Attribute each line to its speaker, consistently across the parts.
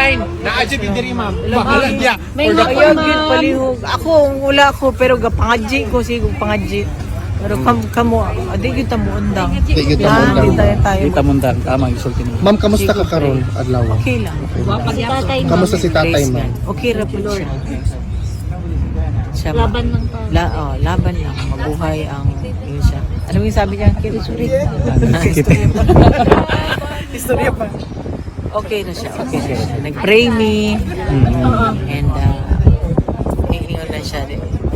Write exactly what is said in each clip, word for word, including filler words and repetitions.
Speaker 1: line. Naadyo diri ma'am.
Speaker 2: Bahala niya.
Speaker 3: May
Speaker 2: Or
Speaker 3: mga
Speaker 2: the-
Speaker 3: palihog. Ako, wala ko, pero gapangadji ko, sigo pangadji. Pero kam kamo, adi gyud ta mo undang.
Speaker 4: Di gyud ta mo
Speaker 3: Yan,
Speaker 4: undang.
Speaker 3: di tayo tayo.
Speaker 5: Kita mo ndang tama ang isulti mo.
Speaker 4: Ma'am, kamusta ka karon adlaw?
Speaker 3: Okay lang.
Speaker 4: Kamusta si tatay
Speaker 3: Praise
Speaker 4: ma'am?
Speaker 3: God. Okay ra po siya. Siya ma-
Speaker 6: Laban lang pa.
Speaker 3: La, oh, laban lang. Mabuhay ang yun siya. Ano yung sabi niya? Sorry. Istorya pa. Okay na siya. Okay na siya. Nag-pray me. And uh, hihingon na siya.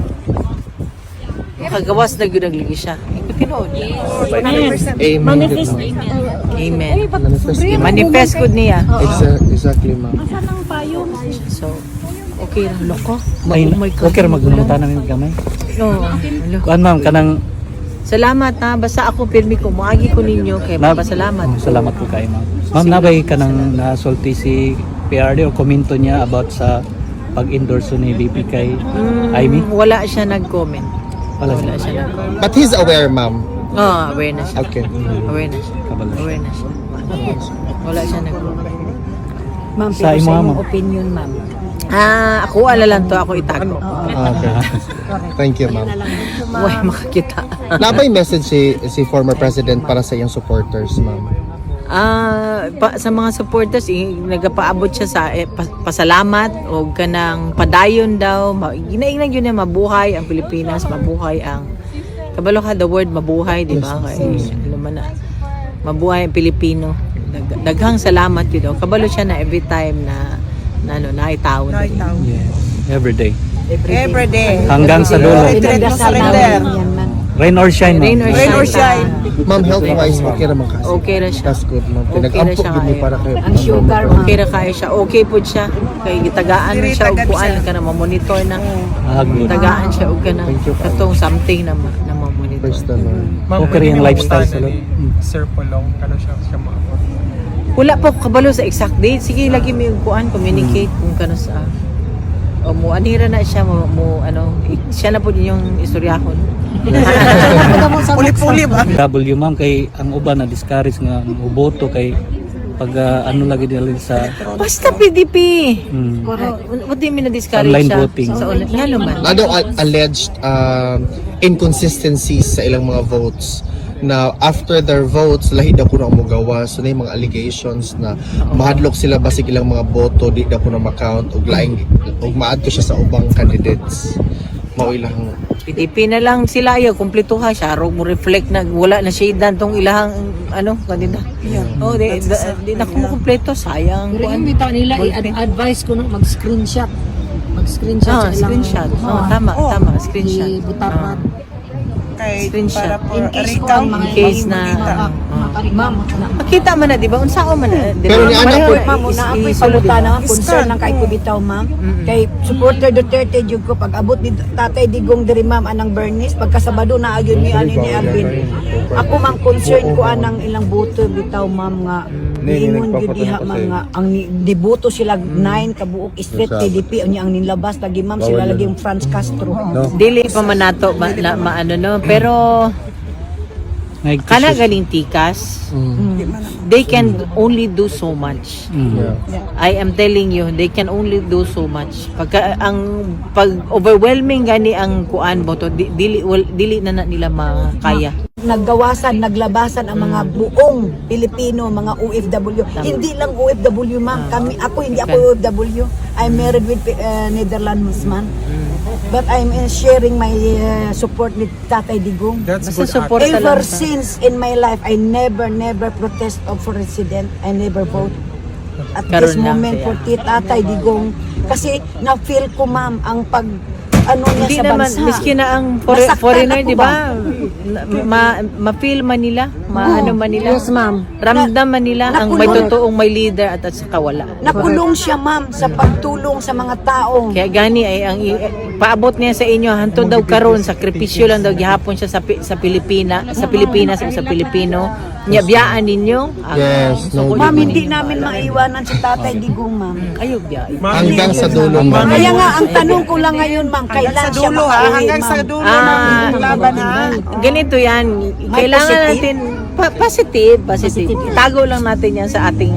Speaker 3: Makagawas na yun nagligi siya. Ikutinood niya.
Speaker 4: Amen.
Speaker 6: Manifest.
Speaker 3: Amen.
Speaker 4: Manifest.
Speaker 3: Manifest good niya.
Speaker 4: Exa- Exactly ma'am.
Speaker 3: So, okay lang. Loko.
Speaker 5: Ay,
Speaker 3: Oh my God.
Speaker 5: okay ra magnumutan namin gamay.
Speaker 3: No. Hello.
Speaker 5: Kuan ma'am kanang
Speaker 3: Salamat ha. Basta ako pirmi ko. Muagi ko ninyo. Kaya
Speaker 5: na,
Speaker 3: papasalamat.
Speaker 5: salamat po kay ma'am. Ma'am nabay kanang nasulti si P R D o komento niya about sa pag-endorse ni B P kay
Speaker 3: Mm,
Speaker 5: Amy.
Speaker 3: wala siya nag-comment.
Speaker 5: Wala
Speaker 3: Wala
Speaker 5: siya.
Speaker 3: siya nag-comment.
Speaker 4: But he's aware ma'am.
Speaker 3: Oh, aware na siya.
Speaker 4: Okay.
Speaker 3: Aware na siya.
Speaker 5: Kabalo siya.
Speaker 3: Aware na siya. Wala siya nag-comment.
Speaker 7: Ma'am,
Speaker 5: Sa
Speaker 7: pero
Speaker 5: imo,
Speaker 7: sa
Speaker 5: ma'am.
Speaker 7: imong opinion, ma'am.
Speaker 3: Ah, ako ala lang to. Ako itago.
Speaker 4: Ah, Okay. Thank you ma'am.
Speaker 3: Huwag makakita.
Speaker 4: Nabay message si si former president para sa iyong supporters ma'am.
Speaker 3: Ah, pa, sa mga supporters, eh, nagapaabot siya sa eh, pa, pasalamat o kanang padayon daw. Ma, ginaingnan yun na mabuhay ang Pilipinas, mabuhay ang kabalo ka the word mabuhay, di ba? Kay alam mo na. Mabuhay ang Pilipino. Dag, daghang salamat yun daw. Kabalo siya na every time na na ano, naitawon.
Speaker 5: Yes. Every day.
Speaker 8: Every day.
Speaker 5: Hanggang sa dulo.
Speaker 7: Pinagdasal namin yan, ma'am.
Speaker 5: Rain or shine,
Speaker 3: Rain
Speaker 5: ma'am.
Speaker 3: or
Speaker 8: Rain or
Speaker 3: shine.
Speaker 8: shine.
Speaker 4: Ma'am, health-wise, okay naman kasi.
Speaker 3: Okay ra siya.
Speaker 4: That's good ma'am.
Speaker 3: Okay na
Speaker 4: Pinag-ampok
Speaker 3: siya
Speaker 4: yun ni
Speaker 3: ngayon.
Speaker 4: para kayo.
Speaker 7: Ang sugar, ma'am.
Speaker 3: Okay ra kaya siya. Okay po siya. Kay gitagaan na siya og kuan ka na ma-monitor na.
Speaker 5: Ah, good.
Speaker 3: Tagaan siya og kana
Speaker 4: Thank you, Father.
Speaker 3: katong something na ma, na ma-monitor.
Speaker 4: Praise the Lord.
Speaker 5: Okay rin yung lifestyle sa loob.
Speaker 1: Sir Polong, kano siya siya maabot.
Speaker 3: Wala pa ko kabalo sa exact date. Sige lagi mi og kuan communicate kung kano sa o mo anira na siya mo, mo ano i- siya na po din yung istoryahon.
Speaker 8: Puli-puli ba?
Speaker 5: W ma'am kay ang uban na discourage nga uboto kay pag ah, ano lagi nila sa
Speaker 3: Basta P D P.
Speaker 5: mm,
Speaker 3: What do you mean na discourage
Speaker 5: Online
Speaker 3: siya?
Speaker 5: voting.
Speaker 3: Sa online. Nga naman.
Speaker 4: Ano ang alleged um, inconsistencies sa ilang mga votes na after their votes lahi daw kuno ang mogawa so na yung mga allegations na mahadlok sila basig ilang mga boto di daw kuno ma-count ug laing ug maadto siya sa ubang candidates mao ilang
Speaker 3: P D P na lang sila ayaw kumpleto ha siya ro mo reflect na wala na shade tong ilahang ano kanina. Oh, di, da- di na ko mo kumpleto sayang
Speaker 7: Pero
Speaker 3: kuan.
Speaker 7: yung bitaw nila, i-advise ko nung mag-screenshot. Mag-screenshot
Speaker 3: Ah,
Speaker 7: sa ilang...
Speaker 3: screenshot. Oh, tama,
Speaker 8: Oh.
Speaker 3: tama, screenshot.
Speaker 7: Ibutapan.
Speaker 8: Kay,
Speaker 3: Screenshot.
Speaker 8: para po
Speaker 7: In case ko
Speaker 8: recount,
Speaker 7: ang mga
Speaker 3: In case na-
Speaker 8: makita.
Speaker 7: Ma'am,
Speaker 3: Makita man na, di ba? Unsa ko man na. di ba?
Speaker 4: Pero ni Ana
Speaker 3: Pareho
Speaker 4: po-
Speaker 3: na
Speaker 7: ma'am,
Speaker 3: is-
Speaker 7: una ako'y
Speaker 3: isulod,
Speaker 7: paluta
Speaker 3: di ba?
Speaker 7: na concern lang kay ko bitaw, ma'am.
Speaker 3: Mm-mm.
Speaker 7: Kay supporter Duterte jud ko pag abot ni Tatay Digong diri ma'am anang Bernice pagka Sabado na agyud ni ani ni Alvin. Ako mang concern ko anang ilang boto bitaw ma'am nga niingon gyud diha ma'am nga ang ni- diboto sila nine kabuok straight T D P unya ang nilabas lagi ma'am sila lagi yung Franz Castro.
Speaker 3: Dili pa man nato ma, na, maano no, pero kana galing tikas, they can only do so much.
Speaker 5: Mm.
Speaker 3: I am telling you, they can only do so much. Pagka ang pag overwhelming gani ang kuan mo to, di- dili wal, dili na, na nila makaya.
Speaker 7: Naggawasan, naglabasan ang mga buong Pilipino, mga O F W. Hindi lang O F W, ma'am. Kami, ako hindi ako O F W. I'm married with uh, Netherlands man. But I'm uh, sharing my uh, support with Tatay Digong.
Speaker 1: That's
Speaker 3: Basta
Speaker 1: good.
Speaker 3: support ka
Speaker 7: Ever
Speaker 3: lang.
Speaker 7: since in my life, I never, never protest of for resident. I never vote. At
Speaker 3: Karoon
Speaker 7: this
Speaker 3: lang
Speaker 7: moment
Speaker 3: siya.
Speaker 7: for Tatay Digong. Kasi na-feel ko, ma'am, ang pag ano niya
Speaker 3: Hindi
Speaker 7: sa
Speaker 3: naman,
Speaker 7: bansa.
Speaker 3: miski na ang for,
Speaker 7: Nasaktan
Speaker 3: foreigner,
Speaker 7: ako
Speaker 3: di ba? Ma, ma-feel man nila, ma-ano man nila.
Speaker 7: Yes, ma'am.
Speaker 3: Ramdam man nila ang may
Speaker 7: Nakulong.
Speaker 3: totoong may leader at at saka wala.
Speaker 7: Nakulong siya, ma'am, sa pagtulong sa mga tao.
Speaker 3: Kaya gani ay ang i- eh, paabot niya sa inyo hanto daw karon sakripisyo lang daw gihapon siya sa Pi- sa Pilipina, sa Pilipinas o sa Pilipino. Nya biyaan ninyo. ang-
Speaker 4: Yes, no.
Speaker 7: Ma'am, hindi namin maiwanan si Tatay Digong, ma'am.
Speaker 3: Ayaw biya.
Speaker 4: hanggang sa dulo ma'am.
Speaker 7: Kaya nga, ang tanong ko lang ngayon, ma'am,
Speaker 8: Hanggang
Speaker 7: kailan
Speaker 8: sa
Speaker 7: siya
Speaker 8: dulo ha,
Speaker 7: makauwi,
Speaker 8: hanggang sa
Speaker 7: ma'am?
Speaker 8: dulo
Speaker 3: Ah,
Speaker 8: ng laban ha.
Speaker 3: Ganito yan. Kailangan
Speaker 7: positive?
Speaker 3: natin pa- positive, positive. Itago lang natin yan sa ating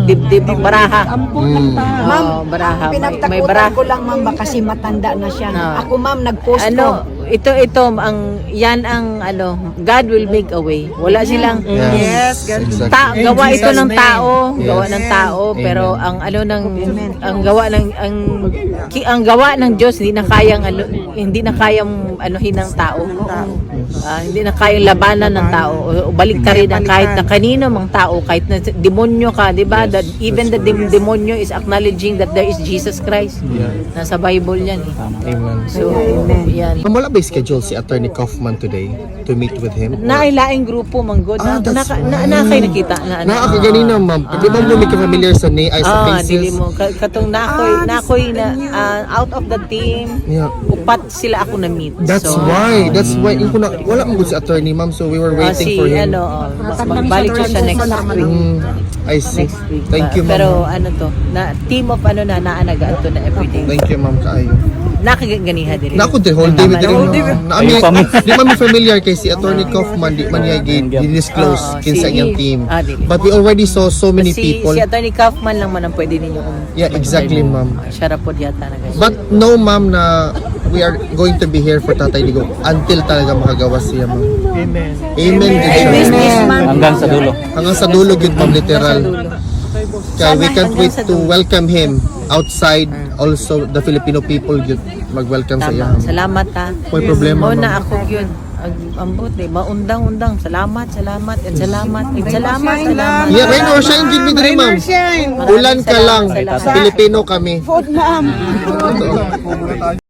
Speaker 3: dibdib ang baraha.
Speaker 4: Mm.
Speaker 7: Ma'am,
Speaker 3: Oo, baraha. May, may
Speaker 7: pinagtakutan
Speaker 3: baraha.
Speaker 7: ko lang ma'am ba kasi matanda na siya.
Speaker 3: No.
Speaker 7: Ako ma'am nag-post
Speaker 3: Ano,
Speaker 7: ko.
Speaker 3: ito ito ang yan ang ano, God will make a way. Wala silang
Speaker 8: Yes, God.
Speaker 4: Exactly.
Speaker 3: ta, gawa ito ng tao,
Speaker 4: Yes.
Speaker 3: gawa ng tao,
Speaker 4: Amen.
Speaker 3: pero ang ano ng ang gawa ng ang ki, ang gawa ng Diyos hindi na kayang ano, hindi na kayang anuhin ng tao. Ah, hindi na kayang labanan ng tao. O, balik ta rin ang kahit na kanino mang tao, kahit na demonyo ka, 'di ba? That even the dem- demonyo is acknowledging that there is Jesus Christ. Nasa Bible 'yan eh.
Speaker 4: Amen.
Speaker 3: So, yan.
Speaker 4: Ma'am, wala ba schedule si Attorney Kaufman today to meet with him?
Speaker 3: Nailaing grupo man god
Speaker 4: Ah,
Speaker 3: na
Speaker 4: that's
Speaker 3: na, na,
Speaker 4: right.
Speaker 3: na kayo nakita na ano.
Speaker 4: Naa ka ganina, ma'am. Di ba mo may familiar sa ni ay sa
Speaker 3: Ah,
Speaker 4: faces?
Speaker 3: dili mo Ka- katong nakoy nakoy na ah, out of the team.
Speaker 4: Yeah.
Speaker 3: Upat sila ako na meet.
Speaker 4: That's
Speaker 3: so,
Speaker 4: why. That's why. Yung kuna, wala mo si attorney, ma'am. So we were
Speaker 3: ah,
Speaker 4: waiting
Speaker 3: si
Speaker 4: for him.
Speaker 3: ano, oh, magbalik siya siya next week.
Speaker 4: Mm, I see.
Speaker 3: Next week.
Speaker 4: Thank you, ma'am.
Speaker 3: Pero ano to, na team of ano na naanagaan to na everyday.
Speaker 4: Thank you, ma'am. Kaayo.
Speaker 3: Nakaganiha diri.
Speaker 4: Na ako din, whole day with
Speaker 3: Whole day
Speaker 4: rin. Na ami, di man mi familiar kay si Attorney Kaufman, di man niya
Speaker 3: Oo,
Speaker 4: i-disclose kinsa
Speaker 3: si-
Speaker 4: iyang team.
Speaker 3: ah, dili.
Speaker 4: But we already saw so many
Speaker 3: si,
Speaker 4: people.
Speaker 3: Si Attorney Kaufman lang man ang pwede ninyo kung
Speaker 4: Yeah, exactly, ma'am.
Speaker 3: siya ra pod yata na guys.
Speaker 4: But no, ma'am, na we are going to be here for Tatay Digong until talaga makagawa siya, ma'am.
Speaker 1: Amen.
Speaker 4: Amen, good siya.
Speaker 5: Hanggang sa dulo.
Speaker 4: Hanggang sa dulo, good, ma'am, literal. Kaya we can't wait to welcome him outside. Also, the Filipino people good mag-welcome sa iya.
Speaker 3: Tama. Salamat ha.
Speaker 4: May problema,
Speaker 3: Mo na
Speaker 4: ma'am.
Speaker 3: ako yun. Ang ambot eh. Maundang-undang. Salamat, salamat, and salamat, and salamat, salamat.
Speaker 4: Yeah, rain or shine, give me the ma'am.
Speaker 8: Shine.
Speaker 4: Ulan ka lang.
Speaker 3: Salamat.
Speaker 4: Filipino kami.
Speaker 8: Food, ma'am.